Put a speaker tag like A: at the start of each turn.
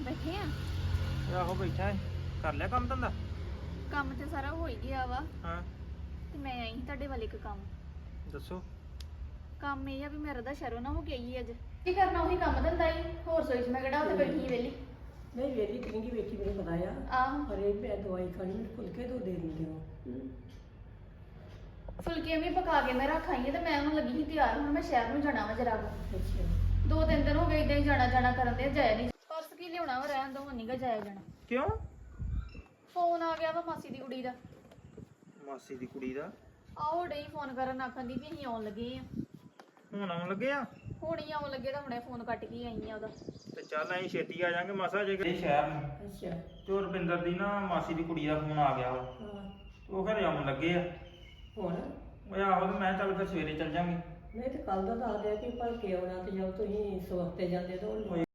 A: ਬੈਠੇ ਆ।
B: ਆਹੋ ਬੈਠਾ ਹੈ। ਕਰ ਲਿਆ ਕੰਮ ਧੰਦਾ?
A: ਕੰਮ ਤੇ ਸਾਰਾ ਹੋ ਹੀ ਗਿਆ ਵਾ।
B: ਹਾਂ
A: ਤੇ ਮੈਂ ਆਈ ਸੀ ਤੁਹਾਡੇ ਵੱਲ ਇੱਕ ਕੰਮ।
B: ਦੱਸੋ।
A: ਕੰਮ ਇਹ ਆ ਵੀ ਮੇਰਾ ਤਾਂ ਸ਼ਰੋ ਨਾ ਹੋ ਕੇ ਆਈ ਅੱਜ। ਕੀ ਕਰਨਾ ਉਹੀ ਕੰਮ ਧੰਦਾ ਹੀ, ਹੋਰ ਸੋਈ ਚ ਮੈਂ ਕਿਹੜਾ ਉੱਥੇ ਬੈਠੀ ਵੇਲੀ।
C: ਨਹੀਂ ਵੇਲੀ ਕਿੰਗੀ ਵੇਖੀ ਮੈਨੂੰ ਪਤਾ ਆ।
A: ਆਹੋ
C: ਪਰ ਇਹ ਮੈਂ ਦਵਾਈ ਖਾਣੀ ਮੈਨੂੰ ਫੁਲਕੇ ਦੋ ਦੇ ਦਿੰਦੇ ਹੋ।
A: ਫੁਲਕੇ ਵੀ ਪਕਾ ਕੇ ਮੈਂ ਰੱਖ ਆਈ ਆ ਤੇ ਮੈਂ ਉਹਨੂੰ ਲੱਗੀ ਸੀ ਤਿਆਰ। ਹੁਣ ਮੈਂ ਸ਼ਹਿਰ ਨੂੰ ਜਾਣਾ ਵਾ ਜਰਾ।
C: ਅੱਛਾ
A: 2-3 ਦਿਨ ਹੋ ਗਏ ਇਦਾਂ ਹੀ ਜਾਣਾ ਕਰਨ ਦੇ, ਜਾਇਆ ਨਹੀਂ। ਪਰਸ ਕੀ ਲਿਆਉਣਾ ਵਾ, ਰਹਿਣ ਦੋ, ਹੁਣ ਨੀਗਾ ਜਾਇਆ ਜਾਣਾ।
B: ਕਿਉਂ?
A: ਫੋਨ ਆ ਗਿਆ ਵਾ ਮਾਸੀ ਦੀ ਕੁੜੀ ਦਾ।
B: ਮਾਸੀ ਦੀ ਕੁੜੀ ਦਾ?
A: ਆਹੋ ਡਈ ਫੋਨ ਕਰਨ, ਆਖਣ ਦੀ ਵੀ ਅਸੀਂ ਆਉਣ ਲੱਗੇ ਆ।
B: ਹੁਣ ਆਉਣ ਲੱਗੇ ਆ?
A: ਹੁਣ ਹੀ ਆਉਣ ਲੱਗੇ ਤਾਂ ਹੁਣੇ ਫੋਨ ਕੱਟ ਕੇ ਆਈ ਆ ਉਹਦਾ।
B: ਤੇ ਚੱਲ ਅਸੀਂ ਛੇਤੀ ਆ ਜਾਾਂਗੇ ਮਾਸਾ ਜੇ ਕਿ ਸ਼ਹਿਰ ਨੂੰ।
C: ਅੱਛਾ
B: ਤੇ ਰੁਪਿੰਦਰ ਦੀ ਨਾ ਮਾਸੀ ਦੀ ਕੁੜੀ ਦਾ ਫੋਨ ਆ ਗਿਆ ਵਾ।
C: ਹਾਂ
B: ਉਹ ਘਰੇ ਆਉਣ ਲੱਗੇ ਆ।
C: ਹੁਣ
B: ਉਹ ਆਹੋ ਤੇ ਮੈਂ ਚੱਲ ਫਿਰ ਸਵੇਰੇ ਚੱਲ ਜਾਾਂਗੇ।
C: ਨਹੀਂ ਤੇ ਕੱਲ ਦਾ ਦੱਸ ਦਿਆ ਕਿ ਭਲਕੇ ਆਉਣਾ ਤੇ ਜਦ ਤੁਸੀਂ ਸਵਖਤੇ ਜਾਂਦੇ ਤਾਂ